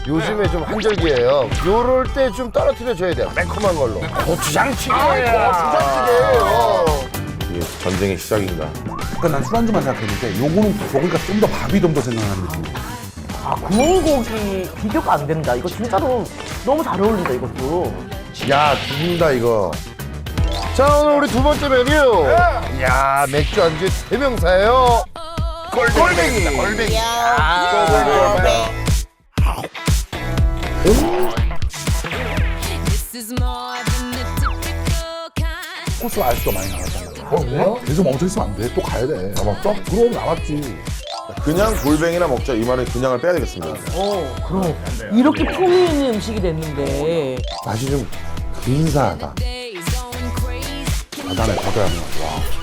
요즘에 좀 한절기예요. 요럴 때 좀 떨어뜨려줘야 돼요. 매콤한 걸로. 고추장찌개예요. 고추장찌개예요. 이게 전쟁의 시작인가. 그러니까 난 술안주만 생각했는데 요거는 먹으니까 좀 더 밥이 좀 더 생각나는 느낌. 아, 구운 고기 비교가 안 된다. 이거 진짜로 너무 잘 어울린다, 이것도. 야, 죽인다, 이거. 자, 오늘 우리 두 번째 메뉴. 야, 맥주 안주의 대명사예요. 골뱅이. 골뱅이. 코스 알수가 많이 나왔잖아. 계속 멈춰 있으면 안 돼. 또 가야 돼. 남았어? 그럼 남았지. 그냥 골뱅이나 먹자 이 말은 그냥을 빼야 되겠습니다. 그럼. 이렇게 품위 있는 음식이 됐는데. 맛이 좀 근사하다. 바다네, 바다야. 와.